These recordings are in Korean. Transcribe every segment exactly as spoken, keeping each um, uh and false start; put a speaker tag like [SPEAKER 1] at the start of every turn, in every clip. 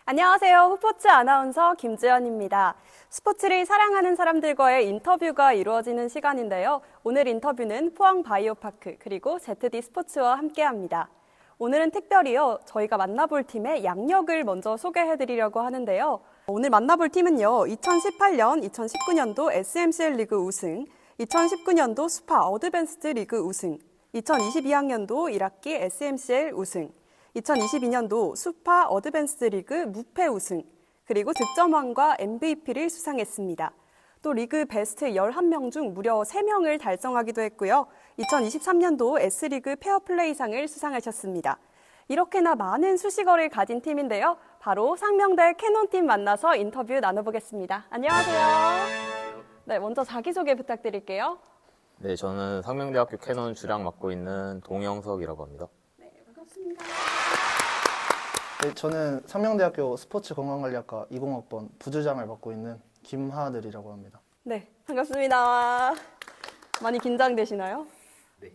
[SPEAKER 1] 안녕하세요. 후포츠 아나운서 김지연입니다. 스포츠를 사랑하는 사람들과의 인터뷰가 이루어지는 시간인데요. 오늘 인터뷰는 포항 바이오파크 그리고 제트디 스포츠와 함께합니다. 오늘은 특별히요, 저희가 만나볼 팀의 양력을 먼저 소개해드리려고 하는데요. 오늘 만나볼 팀은요, 이천십팔 년, 이천십구 년도 에스엠씨엘 리그 우승, 이천십구 년도 스파 어드밴스드 리그 우승, 이천이십이 학년도 일 학기 에스엠씨엘 우승, 이천이십이 년도 스파 어드밴스드 리그 무패 우승, 그리고 득점왕과 엠브이피를 수상했습니다. 또 리그 베스트 열한 명 중 무려 세 명을 달성하기도 했고요. 이천이십삼 년도 S리그 페어플레이상을 수상하셨습니다. 이렇게나 많은 수식어를 가진 팀인데요. 바로 상명대 캐논팀 만나서 인터뷰 나눠보겠습니다. 안녕하세요. 네, 먼저 자기소개 부탁드릴게요.
[SPEAKER 2] 네, 저는 상명대학교 캐논 주량 맡고 있는 동영석이라고 합니다.
[SPEAKER 1] 네, 반갑습니다.
[SPEAKER 3] 네, 저는 상명대학교 스포츠건강관리학과 이공학번 부주장을 맡고 있는 김하늘이라고 합니다.
[SPEAKER 1] 네, 반갑습니다. 많이 긴장되시나요?
[SPEAKER 2] 네.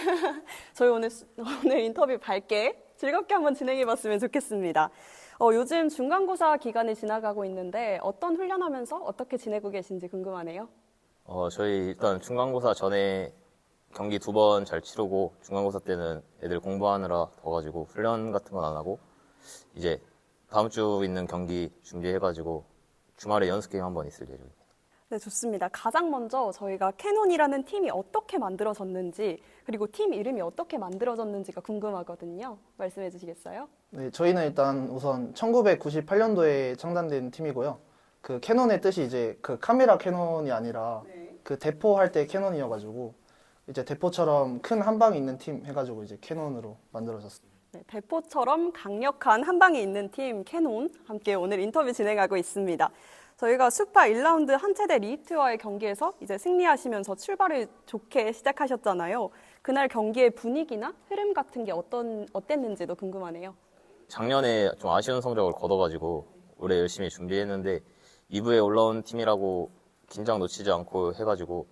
[SPEAKER 1] 저희 오늘, 오늘 인터뷰 밝게 즐겁게 한번 진행해봤으면 좋겠습니다. 어, 요즘 중간고사 기간이 지나가고 있는데 어떤 훈련하면서 어떻게 지내고 계신지 궁금하네요.
[SPEAKER 2] 어, 저희 일단 중간고사 전에 경기 두 번 잘 치르고 중간고사 때는 애들 공부하느라 더가지고 훈련 같은 건 안 하고 이제 다음 주 있는 경기 준비해가지고 주말에 연습 게임 한번 있을 예정입니다.
[SPEAKER 1] 네, 좋습니다. 가장 먼저 저희가 캐논이라는 팀이 어떻게 만들어졌는지 그리고 팀 이름이 어떻게 만들어졌는지가 궁금하거든요. 말씀해 주시겠어요?
[SPEAKER 3] 네, 저희는 일단 우선 천구백구십팔 년도에 창단된 팀이고요. 그 캐논의 뜻이 이제 그 카메라 캐논이 아니라
[SPEAKER 1] 네.
[SPEAKER 3] 그 대포 할 때 캐논이어가지고 이제 대포처럼 큰 한 방이 있는 팀 해가지고 이제 캐논으로 만들어졌습니다.
[SPEAKER 1] 네, 대포처럼 강력한 한 방이 있는 팀 캐논 함께 오늘 인터뷰 진행하고 있습니다. 저희가 스파 일 라운드 한체대 리히트와의 경기에서 이제 승리하시면서 출발을 좋게 시작하셨잖아요. 그날 경기의 분위기나 흐름 같은 게 어떤 어땠는지도 궁금하네요.
[SPEAKER 2] 작년에 좀 아쉬운 성적을 거둬가지고 올해 열심히 준비했는데 이 부에 올라온 팀이라고 긴장 놓치지 않고 해가지고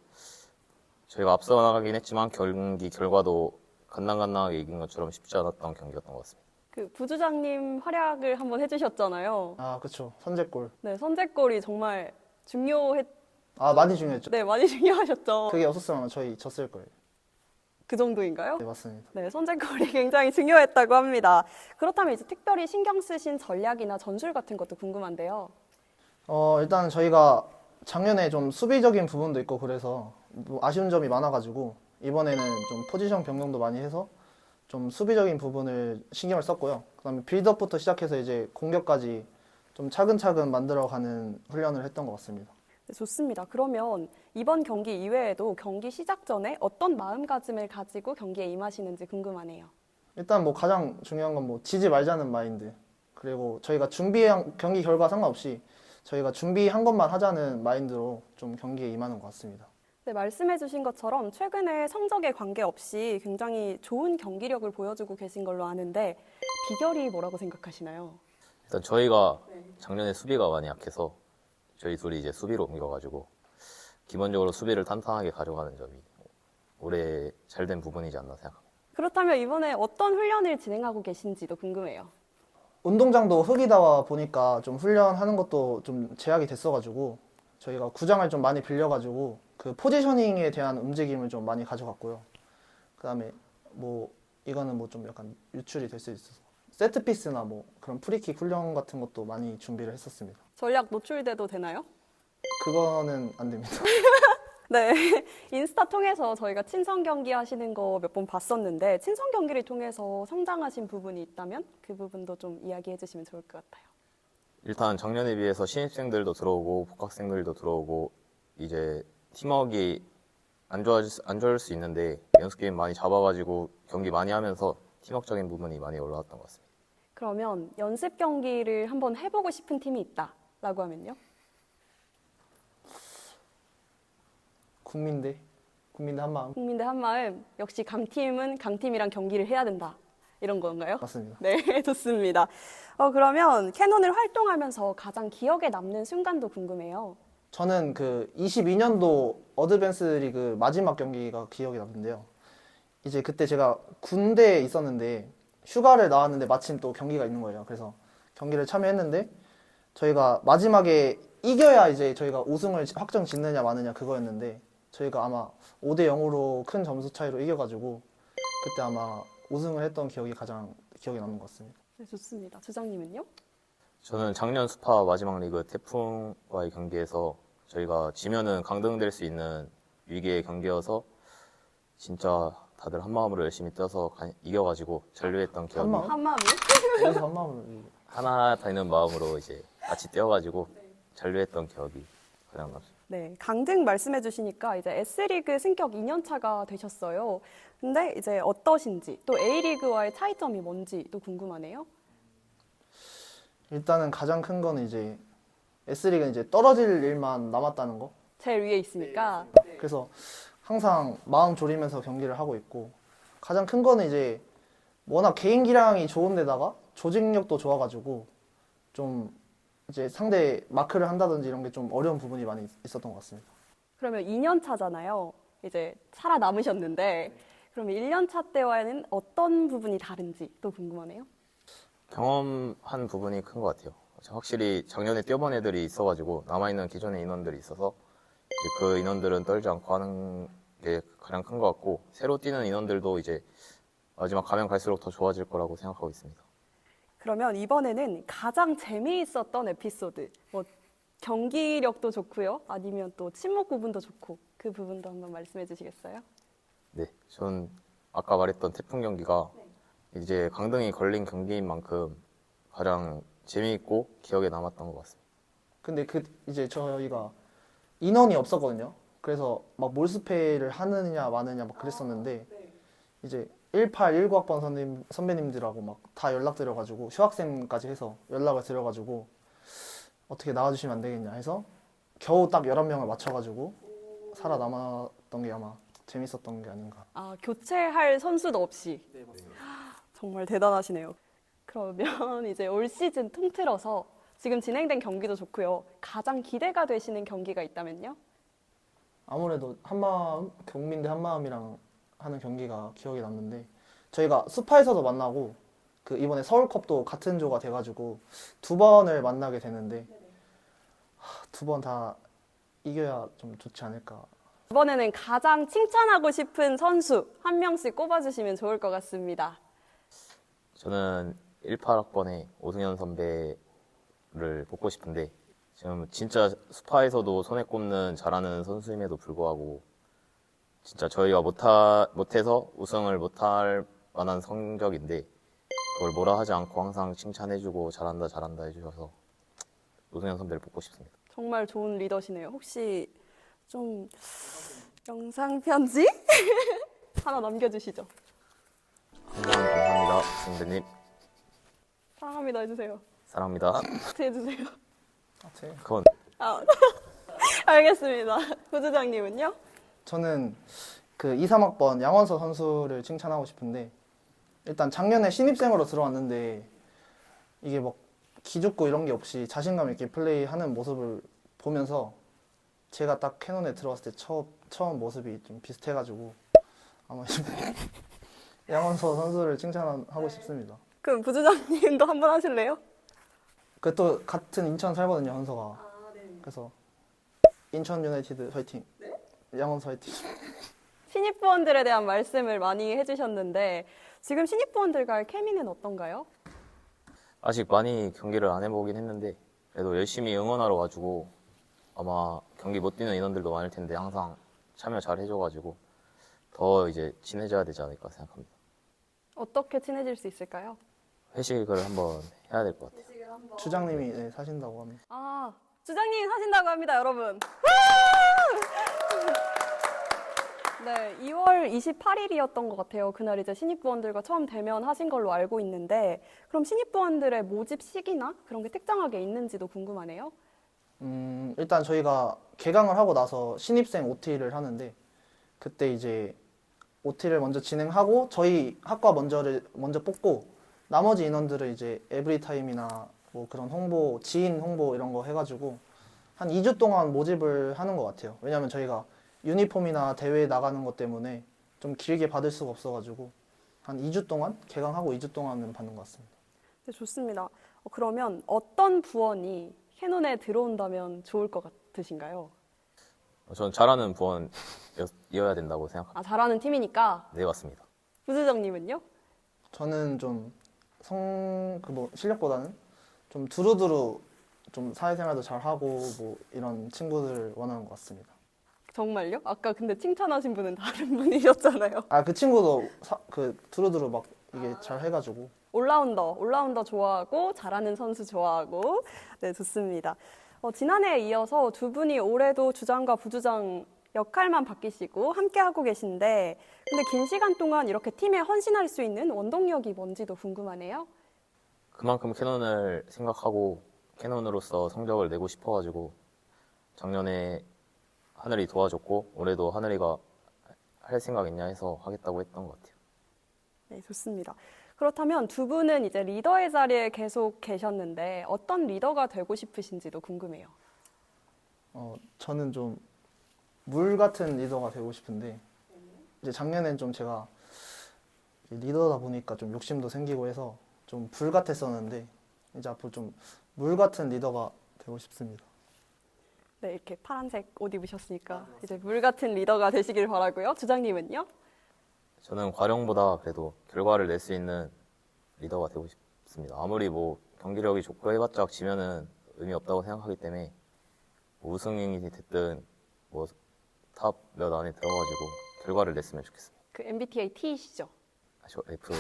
[SPEAKER 2] 저희가 앞서 나가긴 했지만 경기 결과도 간당간당하게 이긴 것처럼 쉽지 않았던 경기였던 것 같습니다.
[SPEAKER 1] 그 부주장님 활약을 한번 해주셨잖아요.
[SPEAKER 3] 아, 그렇죠. 선제골.
[SPEAKER 1] 네, 선제골이 정말 중요했.
[SPEAKER 3] 아, 많이 중요했죠.
[SPEAKER 1] 네, 많이 중요하셨죠.
[SPEAKER 3] 그게 없었으면 저희 졌을 거예요.
[SPEAKER 1] 그 정도인가요?
[SPEAKER 3] 네, 맞습니다.
[SPEAKER 1] 네, 선제골이 굉장히 중요했다고 합니다. 그렇다면 이제 특별히 신경 쓰신 전략이나 전술 같은 것도 궁금한데요.
[SPEAKER 3] 어, 일단 저희가 작년에 좀 수비적인 부분도 있고 그래서 뭐 아쉬운 점이 많아가지고 이번에는 좀 포지션 변경도 많이 해서 좀 수비적인 부분을 신경을 썼고요. 그다음에 빌드업부터 시작해서 이제 공격까지 좀 차근차근 만들어가는 훈련을 했던 것 같습니다.
[SPEAKER 1] 네, 좋습니다. 그러면 이번 경기 이외에도 경기 시작 전에 어떤 마음가짐을 가지고 경기에 임하시는지 궁금하네요.
[SPEAKER 3] 일단 뭐 가장 중요한 건 뭐 지지 말자는 마인드. 그리고 저희가 준비한 경기 결과 상관없이 저희가 준비한 것만 하자는 마인드로 좀 경기에 임하는 것 같습니다.
[SPEAKER 1] 네, 말씀해 주신 것처럼 최근에 성적에 관계없이 굉장히 좋은 경기력을 보여주고 계신 걸로 아는데 비결이 뭐라고 생각하시나요?
[SPEAKER 2] 일단 저희가 작년에 수비가 많이 약해서 저희 둘이 이제 수비로 옮겨가지고 기본적으로 수비를 탄탄하게 가져가는 점이 올해 잘된 부분이지 않나 생각합니다.
[SPEAKER 1] 그렇다면 이번에 어떤 훈련을 진행하고 계신지도 궁금해요.
[SPEAKER 3] 운동장도 흙이다 보니까 좀 훈련하는 것도 좀 제약이 됐어가지고 저희가 구장을 좀 많이 빌려가지고 그 포지셔닝에 대한 움직임을 좀 많이 가져갔고요. 그다음에 뭐 이거는 뭐 좀 약간 유출이 될 수 있어서 세트피스나 뭐 그런 프리킥 훈련 같은 것도 많이 준비를 했었습니다.
[SPEAKER 1] 전략 노출돼도 되나요?
[SPEAKER 3] 그거는 안 됩니다.
[SPEAKER 1] 네, 인스타 통해서 저희가 친선 경기 하시는 거 몇 번 봤었는데 친선 경기를 통해서 성장하신 부분이 있다면 그 부분도 좀 이야기해 주시면 좋을 것 같아요.
[SPEAKER 2] 일단 작년에 비해서 신입생들도 들어오고 복학생들도 들어오고 이제 팀워크가 안 좋아질 수, 안 좋을 수 있는데 연습 게임 많이 잡아가지고 경기 많이 하면서 팀워크적인 부분이 많이 올라왔던 것 같습니다.
[SPEAKER 1] 그러면 연습 경기를 한번 해보고 싶은 팀이 있다라고 하면요?
[SPEAKER 3] 국민대, 국민대 한마음.
[SPEAKER 1] 국민대 한마음 역시 강팀은 강팀이랑 경기를 해야 된다 이런 건가요?
[SPEAKER 3] 맞습니다.
[SPEAKER 1] 네, 좋습니다. 어, 그러면 캐논을 활동하면서 가장 기억에 남는 순간도 궁금해요.
[SPEAKER 3] 저는 그 이십이 년도 어드밴스 리그 마지막 경기가 기억이 남는데요. 이제 그때 제가 군대에 있었는데 휴가를 나왔는데 마침 또 경기가 있는 거예요. 그래서 경기를 참여했는데 저희가 마지막에 이겨야 이제 저희가 우승을 확정 짓느냐 마느냐 그거였는데 저희가 아마 오 대 영으로 큰 점수 차이로 이겨가지고 그때 아마 우승을 했던 기억이 가장 기억에 남는 것 같습니다.
[SPEAKER 1] 네, 좋습니다. 주장님은요?
[SPEAKER 2] 저는 작년 스파 마지막 리그 태풍과의 경기에서 저희가 지면은 강등될 수 있는 위기의 경기여서 진짜 다들 한 마음으로 열심히 뛰어서 가- 이겨가지고 잔류했던 기억이
[SPEAKER 3] 한 마음?
[SPEAKER 1] 한마음이요?
[SPEAKER 3] 여기서 한 마음으로 이기고.
[SPEAKER 2] 하나 되는 마음으로 이제 같이 뛰어가지고 잔류했던 기억이 가장 남습니다.
[SPEAKER 1] 네, 강등 말씀해 주시니까 이제 S리그 승격 이 년 차가 되셨어요. 근데 이제 어떠신지 또 A리그와의 차이점이 뭔지 또 궁금하네요.
[SPEAKER 3] 일단은 가장 큰 거는 이제 S리그는 이제 떨어질 일만 남았다는 거.
[SPEAKER 1] 제일 위에 있으니까.
[SPEAKER 3] 그래서 항상 마음 졸이면서 경기를 하고 있고 가장 큰 거는 이제 워낙 개인 기량이 좋은데다가 조직력도 좋아가지고 좀 이제 상대 마크를 한다든지 이런 게 좀 어려운 부분이 많이 있- 있었던 것 같습니다.
[SPEAKER 1] 그러면 이 년 차잖아요. 이제 살아남으셨는데 그러면 일 년 차 때와는 어떤 부분이 다른지 또 궁금하네요.
[SPEAKER 2] 경험한 부분이 큰 것 같아요. 확실히 작년에 뛰어본 애들이 있어가지고 남아있는 기존의 인원들이 있어서 이제 그 인원들은 떨지 않고 하는 게 가장 큰 것 같고 새로 뛰는 인원들도 이제 마지막 가면 갈수록 더 좋아질 거라고 생각하고 있습니다.
[SPEAKER 1] 그러면 이번에는 가장 재미있었던 에피소드, 뭐 경기력도 좋고요, 아니면 또 침묵 부분도 좋고 그 부분도 한번 말씀해 주시겠어요?
[SPEAKER 2] 네, 전 아까 말했던 태풍 경기가 이제 강등이 걸린 경기인 만큼 가장 재미있고 기억에 남았던 것 같습니다.
[SPEAKER 3] 근데 그 이제 저희가 인원이 없었거든요. 그래서 막 몰수패를 하느냐 마느냐 막 그랬었는데 이제 십팔, 십구 학번 선배님, 선배님들하고 막 다 연락드려가지고 휴학생까지 해서 연락을 드려가지고 어떻게 나와주시면 안 되겠냐 해서 겨우 딱 열한 명을 맞춰가지고 살아남았던 게 아마 재밌었던 게 아닌가.
[SPEAKER 1] 아, 교체할 선수도 없이. 정말 대단하시네요. 그러면 이제 올 시즌 통틀어서 지금 진행된 경기도 좋고요. 가장 기대가 되시는 경기가 있다면요?
[SPEAKER 3] 아무래도 한마음, 경민 대 한마음이랑 하는 경기가 기억에 남는데 저희가 스파에서도 만나고 그 이번에 서울컵도 같은 조가 돼가지고 두 번을 만나게 되는데 두 번 다 이겨야 좀 좋지 않을까.
[SPEAKER 1] 이번에는 가장 칭찬하고 싶은 선수 한 명씩 꼽아주시면 좋을 것 같습니다.
[SPEAKER 2] 저는 십팔 학번의 오승현 선배를 뽑고 싶은데 지금 진짜 스파에서도 손에 꼽는 잘하는 선수임에도 불구하고 진짜 저희가 못하, 못해서 우승을 못할 만한 성적인데 그걸 뭐라 하지 않고 항상 칭찬해주고 잘한다 잘한다 해주셔서 오승현 선배를 뽑고 싶습니다.
[SPEAKER 1] 정말 좋은 리더시네요. 혹시 좀 영상 편지 하나 남겨주시죠.
[SPEAKER 2] 항상 감사합니다 선배님.
[SPEAKER 1] 사랑합니다 해주세요.
[SPEAKER 2] 사랑합니다.
[SPEAKER 1] 하트 해주세요.
[SPEAKER 3] 아, 제-
[SPEAKER 2] 그건
[SPEAKER 1] 아, 알겠습니다. 부주장님은요?
[SPEAKER 3] 저는 그 이, 삼 학번 양원서 선수를 칭찬하고 싶은데 일단 작년에 신입생으로 들어왔는데 이게 막 기죽고 이런 게 없이 자신감 있게 플레이하는 모습을 보면서 제가 딱 캐논에 들어왔을 때 처음, 처음 모습이 좀 비슷해가지고 아마 양원서 선수를 칭찬하고 싶습니다.
[SPEAKER 1] 그럼 부주장님도 한번 하실래요?
[SPEAKER 3] 그 또 같은 인천 살거든요, 헌서가. 그래서 인천 유나이티드 화이팅. 양원서 화이팅.
[SPEAKER 1] 신입부원들에 대한 말씀을 많이 해주셨는데 지금 신입부원들과의 케미는 어떤가요?
[SPEAKER 2] 아직 많이 경기를 안 해보긴 했는데 그래도 열심히 응원하러 와주고 아마 경기 못 뛰는 인원들도 많을 텐데 항상 참여 잘 해줘가지고 더 이제 친해져야 되지 않을까 생각합니다.
[SPEAKER 1] 어떻게 친해질 수 있을까요?
[SPEAKER 2] 회식을 한번 해야 될 것 같아요.
[SPEAKER 3] 주장님이 네, 사신다고 합니다.
[SPEAKER 1] 아, 주장님 사신다고 합니다, 여러분. 네, 이월 이십팔일이었던 것 같아요. 그날 이제 신입부원들과 처음 대면하신 걸로 알고 있는데 그럼 신입부원들의 모집 시기나 그런 게 특정하게 있는지도 궁금하네요.
[SPEAKER 3] 음, 일단 저희가 개강을 하고 나서 신입생 오티를 하는데 그때 이제 오티를 먼저 진행하고 저희 학과 먼저를 먼저 뽑고 나머지 인원들을 이제 에브리타임이나 뭐 그런 홍보, 지인 홍보 이런 거 해가지고 한 이 주 동안 모집을 하는 것 같아요. 왜냐면 저희가 유니폼이나 대회에 나가는 것 때문에 좀 길게 받을 수가 없어가지고 한 이 주 동안 개강하고 이 주 동안은 받는 것 같습니다.
[SPEAKER 1] 네, 좋습니다. 어, 그러면 어떤 부원이 캐논에 들어온다면 좋을 것 같으신가요?
[SPEAKER 2] 전 잘하는 부원이어야 된다고 생각합니다.
[SPEAKER 1] 아, 잘하는 팀이니까.
[SPEAKER 2] 네, 맞습니다.
[SPEAKER 1] 부수정님은요?
[SPEAKER 3] 저는 좀 성, 그 뭐 실력보다는 좀 두루두루 좀 사회생활도 잘 하고 뭐 이런 친구들을 원하는 것 같습니다.
[SPEAKER 1] 정말요? 아까 근데 칭찬하신 분은 다른 분이셨잖아요.
[SPEAKER 3] 아, 그 친구도 사, 그 두루두루 막 이게 잘 해가지고
[SPEAKER 1] 올라운더, 올라운더 좋아하고 잘하는 선수 좋아하고 네, 좋습니다. 어, 지난해에 이어서 두 분이 올해도 주장과 부주장 역할만 바뀌시고 함께하고 계신데 근데 긴 시간 동안 이렇게 팀에 헌신할 수 있는 원동력이 뭔지도 궁금하네요.
[SPEAKER 2] 그만큼 캐논을 생각하고 캐논으로서 성적을 내고 싶어가지고 작년에 하늘이 도와줬고 올해도 하늘이가 할 생각 있냐 해서 하겠다고 했던 것 같아요.
[SPEAKER 1] 네, 좋습니다. 그렇다면 두 분은 이제 리더의 자리에 계속 계셨는데 어떤 리더가 되고 싶으신지도 궁금해요.
[SPEAKER 3] 어, 저는 좀 물 같은 리더가 되고 싶은데 이제 작년엔 좀 제가 리더다 보니까 좀 욕심도 생기고 해서 좀 불 같았었는데 이제 앞으로 좀 물 같은 리더가 되고 싶습니다.
[SPEAKER 1] 네, 이렇게 파란색 옷 입으셨으니까 이제 물 같은 리더가 되시길 바라고요. 주장님은요?
[SPEAKER 2] 저는 과령보다 그래도 결과를 낼 수 있는 리더가 되고 싶습니다. 아무리 뭐 경기력이 좋고 해봤자 지면은 의미 없다고 생각하기 때문에 뭐 우승이 됐든 뭐 탑 몇 안에 들어가지고 결과를 냈으면 좋겠습니다.
[SPEAKER 1] 그 엠비티아이 T이시죠?
[SPEAKER 2] 아, 저 F.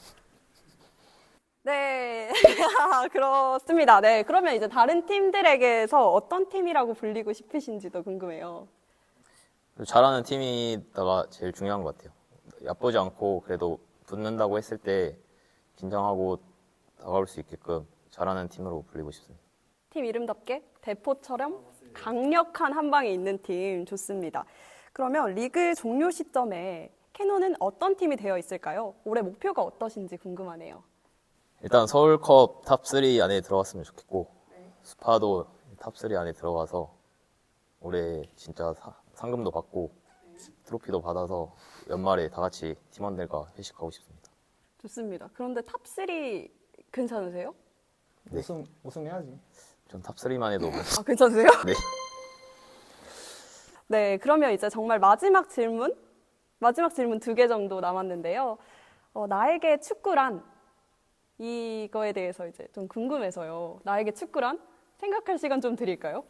[SPEAKER 1] 네, 그렇습니다. 네, 그러면 이제 다른 팀들에게서 어떤 팀이라고 불리고 싶으신지도 궁금해요.
[SPEAKER 2] 잘하는 팀이다가 제일 중요한 것 같아요. 얕보지 않고 그래도 붙는다고 했을 때 긴장하고 다가올 수 있게끔 잘하는 팀으로 불리고 싶습니다.
[SPEAKER 1] 팀 이름답게 대포처럼 강력한 한 방이 있는 팀 좋습니다. 그러면 리그 종료 시점에 캐논은 어떤 팀이 되어 있을까요? 올해 목표가 어떠신지 궁금하네요.
[SPEAKER 2] 일단 서울컵 탑 삼 안에 들어갔으면 좋겠고 스파도 탑 삼 안에 들어가서 올해 진짜 사- 상금도 받고 트로피도 받아서 연말에 다 같이 팀원들과 회식하고 싶습니다.
[SPEAKER 1] 좋습니다. 그런데 탑 삼 괜찮으세요?
[SPEAKER 2] 네.
[SPEAKER 3] 우승 우승해야지.
[SPEAKER 2] 전 탑 삼만 해도
[SPEAKER 1] 아, 괜찮으세요?
[SPEAKER 2] 네.
[SPEAKER 1] 네, 그러면 이제 정말 마지막 질문, 마지막 질문 두 개 정도 남았는데요. 어, 나에게 축구란 이거에 대해서 이제 좀 궁금해서요. 나에게 축구란 생각할 시간 좀 드릴까요?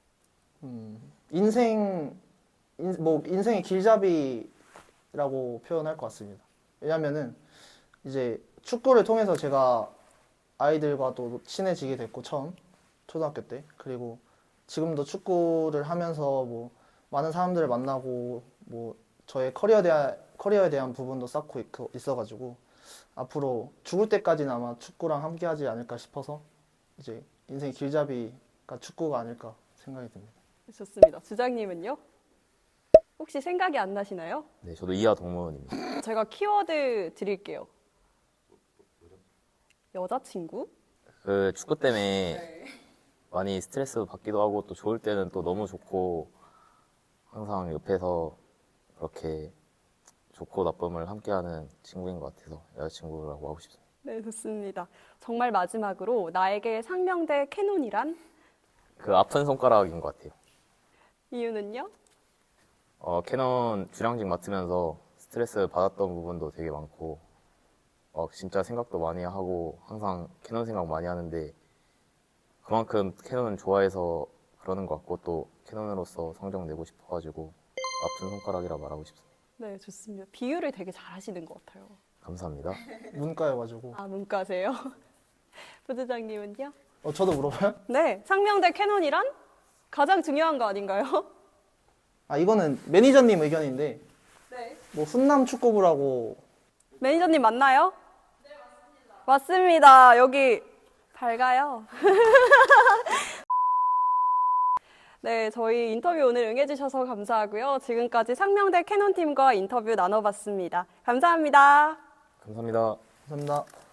[SPEAKER 3] 인생 인, 뭐 인생의 길잡이라고 표현할 것 같습니다. 왜냐면은 이제 축구를 통해서 제가 아이들과 또 친해지게 됐고 처음 초등학교 때 그리고 지금도 축구를 하면서 뭐 많은 사람들을 만나고 뭐 저의 커리어에 대한 커리어에 대한 부분도 쌓고 있- 있어가지고 앞으로 죽을 때까지는 아마 축구랑 함께하지 않을까 싶어서 이제 인생의 길잡이가 축구가 아닐까 생각이 듭니다.
[SPEAKER 1] 좋습니다. 주장님은요? 혹시 생각이 안 나시나요?
[SPEAKER 2] 네, 저도 이하 동문입니다.
[SPEAKER 1] 제가 키워드 드릴게요. 여자친구?
[SPEAKER 2] 그 축구 때문에 많이 스트레스 받기도 하고 또 좋을 때는 또 너무 좋고 항상 옆에서 그렇게 좋고 나쁨을 함께하는 친구인 것 같아서 여자친구라고 하고 싶습니다.
[SPEAKER 1] 네, 좋습니다. 정말 마지막으로 나에게 상명대 캐논이란
[SPEAKER 2] 그 아픈 손가락인 것 같아요.
[SPEAKER 1] 이유는요?
[SPEAKER 2] 어, 캐논 주량직 맡으면서 스트레스 받았던 부분도 되게 많고 어, 진짜 생각도 많이 하고 항상 캐논 생각 많이 하는데 그만큼 캐논은 좋아해서 그러는 것 같고 또 캐논으로서 성적 내고 싶어가지고 아픈 손가락이라 말하고 싶습니다.
[SPEAKER 1] 네, 좋습니다. 비유를 되게 잘하시는 것 같아요.
[SPEAKER 2] 감사합니다.
[SPEAKER 3] 문과여가지고
[SPEAKER 1] 아, 문과세요? 부부장님은요?
[SPEAKER 3] 어 저도 물어봐요?
[SPEAKER 1] 네, 상명대 캐논이란 가장 중요한 거 아닌가요?
[SPEAKER 3] 아 이거는 매니저님 의견인데
[SPEAKER 1] 네.
[SPEAKER 3] 뭐 훈남 축구부라고
[SPEAKER 1] 매니저님 맞나요? 네, 맞습니다. 맞습니다. 여기 밝아요. 네, 저희 인터뷰 오늘 응해주셔서 감사하고요. 지금까지 상명대 캐논팀과 인터뷰 나눠봤습니다. 감사합니다.
[SPEAKER 2] 감사합니다.
[SPEAKER 3] 감사합니다.